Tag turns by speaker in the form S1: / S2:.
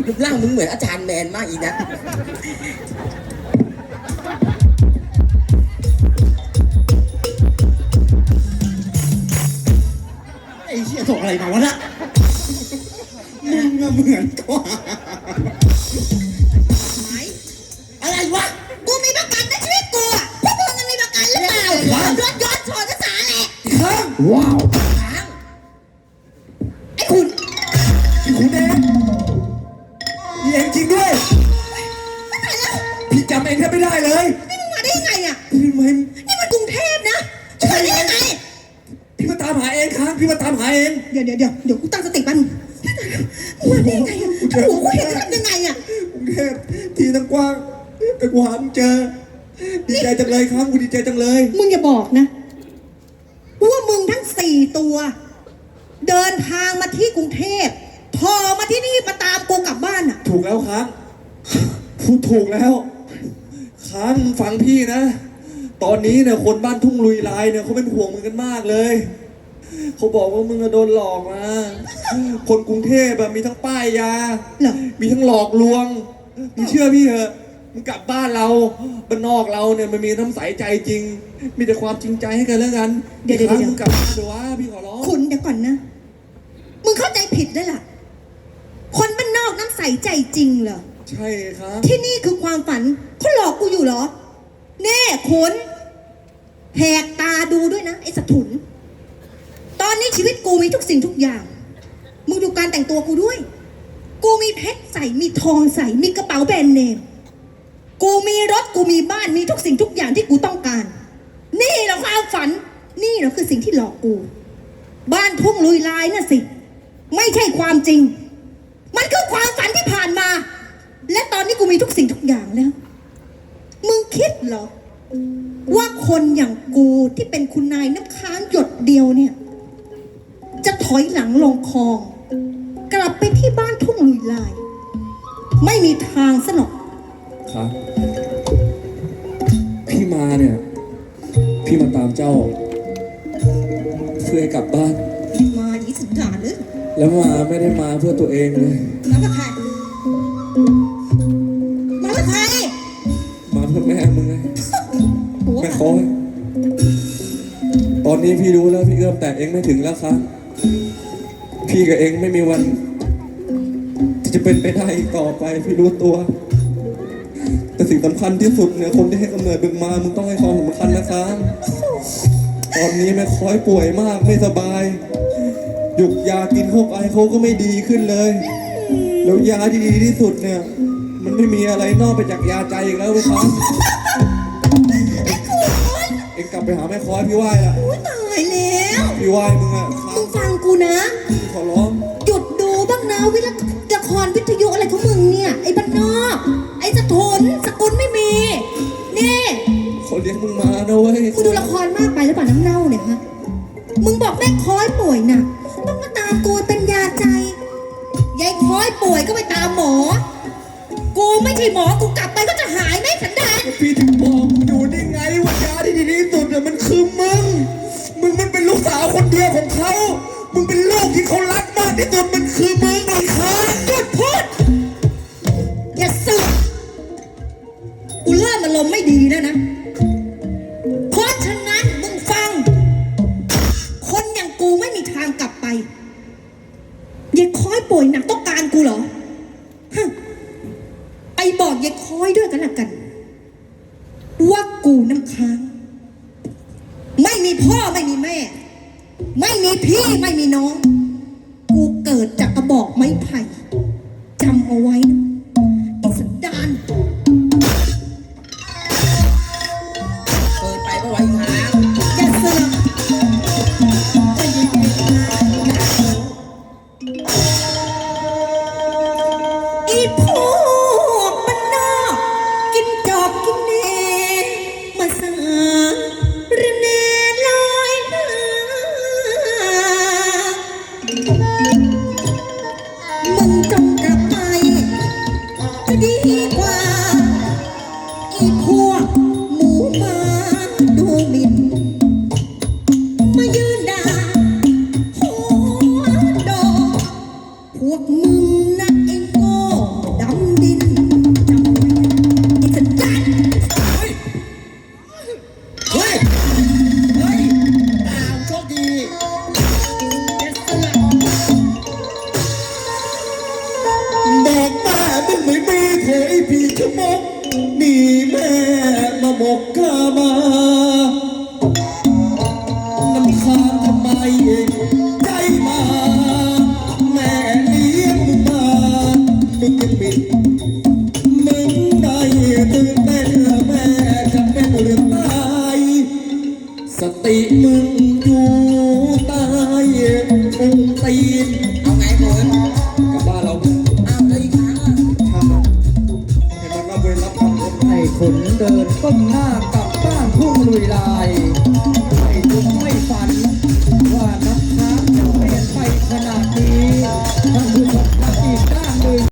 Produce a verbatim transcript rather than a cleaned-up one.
S1: รูปร่างมึงเหมือนอาจารย์แมนมากอีกนะ
S2: ไอ้เชี่ยส่งอะไรมาวะน่ะมึงอะเหมือนกว่าอะไรวะ
S3: กูมีประกันนะชีวิตกูอะพวกมึงมันมีประกันหรือเปล่าย้อนย้อนชนภาษาแหละ
S2: ค้างว้าว
S3: ไอ้คุณ
S2: ไอ้คุณเองนี่เองจริงด้วย
S3: ไม่ตายแล้ว
S2: พี่จำเองแทบไม่ได้เลย
S3: นี่มึงมาได้ยังไงอะ
S2: พี่มัน
S3: นี่มันกรุงเทพนะจะมาได้ยังไง
S2: พี่มาตามหาเองค้างพี่มาตามหาเอง
S3: เดี๋ยวเดี๋ยวเดี๋ยวเดี๋ยวกูตั้งสติแป๊บนึงมึงมาได้ยังไงอะโอ้โหกูเห็นจะทำยังไงอะ
S2: กรุงเทพที่ตั้งกว้างแต่กูหามึงเจอดีใจจังเลยครับกูดีใจจังเลย
S3: มึงอย่าบอกนะว่ามึงทั้งสี่ตัว เดินทางมาที่กรุงเทพพอมาที่นี่มาตามกูกลับบ้านอะ
S2: ถูกแล้วครับพูดถูกแล้วค้างฟังพี่นะ ตอนนี้เนี่ยคนบ้านทุ่งลุยลายเนี่ยเขาเป็นห่วงมึงกันมากเลยเขาบอกว่ามึงโดนหลอกมาคนกรุงเทพแบบมีทั้งป้ายยา
S3: เหรอ
S2: มีทั้งหลอกลวงมึงเชื่อพี่เหอะมึงกลับบ้านเราบ้านนอกเราเนี่ยมันมีน้ำใสใจจริง มีแต่ความจริงใจให้กันแล้วกัน
S3: เดี๋ยวเดี๋ยว
S2: ค้าง
S3: เดี๋ยว
S2: มึงกลับบ้านเถอะวะพี่ขอร้อง
S3: คุณเดี๋ยวก่อนนะ มึงเข้าใจผิดแล้วล่ะ คนบ้านนอกน้ำใสใจจริงเหรอ
S2: ใช่ครับ
S3: ที่นี่คือความฝันเขาหลอกกูอยู่เหรอ แน่คุณแหกตาดูด้วยนะไอ้สถุน ตอนนี้ชีวิตกูมีทุกสิ่งทุกอย่าง มึงดูการแต่งตัวกูด้วย กูมีเพชรใส่ มีทองใส่ มีกระเป๋าแบรนด์เนม กูมีรถ กูมีบ้าน มีทุกสิ่งทุกอย่างที่กูต้องการ นี่เหรอความฝัน นี่เหรอคือสิ่งที่หลอกกู บ้านทุ่งลุยลายน่ะสิ ไม่ใช่ความจริง มันคือความฝันที่ผ่านมา และตอนนี้กูมีทุกสิ่งทุกอย่างแล้ว มึงคิดเหรอ ว่าคนอย่างกูที่เป็นคุณนายน้ำค้างหยดเดียวเนี่ย จะถอยหลังลงคลอง กลับไปที่บ้านทุ่งลุยลาย ไม่มีทางซะหรอก
S2: ครับพี่มาเนี่ย พี่มาตามเจ้า เพื่อให้กลับบ้าน
S3: มาดีสุดยอดเลย
S2: แล้วมาไม่ได้มาเพื่อตัวเองเลย
S3: มากับใครมากับใคร
S2: มาเพื่อแม่มึงไง
S3: หัว
S2: แม่คอยตอนนี้พี่รู้แล้วพี่เอื้อมแต่เองไม่ถึงแล้วครับพี่กับเองไม่มีวัน ที่จะเป็นไปได้อีกต่อไปพี่รู้ตัว แต่สิ่งสำคัญที่สุดเนี่ยคนที่ให้กำเนิดมึงมามึงต้องให้ความสำคัญนะครับตอนนี้แม่คอยป่วยมากไม่สบายหยุกยากินเข้าไปเขาก็ไม่ดีขึ้นเลย แล้วยาที่ดีที่สุดเนี่ย มันไม่มีอะไรนอกไปจากยาใจอีกแล้วเลยครับเอ็งกลับไปหาแม่คอยพี่ไหว้ละ
S3: อุ๊ยตายแล้ว
S2: พี่ไหว้มึงอะครั
S3: มึ
S2: บ
S3: งฟังกูนะ
S2: พี่ขอร้อง
S3: หยุดดูบ้างนะวิละละครวิทยุอะไรของมึงเนี่ย ไอ้บ้านนอก ไอ้สะทนสกุลไม่มี นี่
S2: เขาเลี้ยงมึงมานะเว้ย
S3: กูดูละครมากไปหรือเปล่าน้ำเน่าเนี่ยฮะ มึงบอกแม่คอยป่วยน่ะ ต้องมาตามกูเป็นยาใจ ยายคอยป่วยก็ไปตามหมอ กูไม่ใช่หมอ กูกลับไปก็จะหายไหมสันดาน
S2: พี่ถึงบอกมึงอยู่ได้ไงว่ายาที่ดีที่สุดเนี่ยมันคือมึง มึงมันเป็นลูกสาวคนเดียวของเขา มึงเป็นลูกที่เขารักมากที่สุดมันคือมึงไอ้ค้าง
S3: หยุดพูด อย่าสึกกูเริ่มอารมณ์ไม่ดีแล้วนะ เพราะฉะนั้นมึงฟัง คนอย่างกูไม่มีทางกลับไปยายคอยป่วยหนักต้องการกูเหรอฮะไปบอกยายคอยด้วยกันละกัน ว่ากูน้ำค้าง ไม่มีพ่อไม่มีแม่ ไม่มีพี่ไม่มีน้อง กูเกิดจากกระบอกไม้ไผ่จำเอาไว้นะไอ้สันดาน
S1: เปิดไปเพราะไว้ค้าง
S3: อย่าเสือกอีพวกบ้านนอกกินจอบกินเนมาสาระเนลอยหน้ามึงจงกลับไปจะดีกว่า อีพวกหมูหมาดูหมิ่นมายืนด่าหัวดอกพวกมึงนะไอ้โง่
S4: ไม่มีโถยพี่ชะมกนี่แม่มาหมกข้ามาน้ำค้างทำไมใจมาแม่เลี้ยงมึงมามึงยังมิดมึงได้ตื่นเต้นแม่จะเป็นเรื่องตายสติมึงอยู่ใต้องค์ตีน
S1: เอาไงเขิน
S2: กลับบ้านเรา
S1: อ้าวแล้วอีกครั้งอ่ะ
S2: ช่างมันให้มันรับเวรรับกรรม
S4: ให้ขนเดินก้มหน้ากลับบ้านทุ่งลุยลาย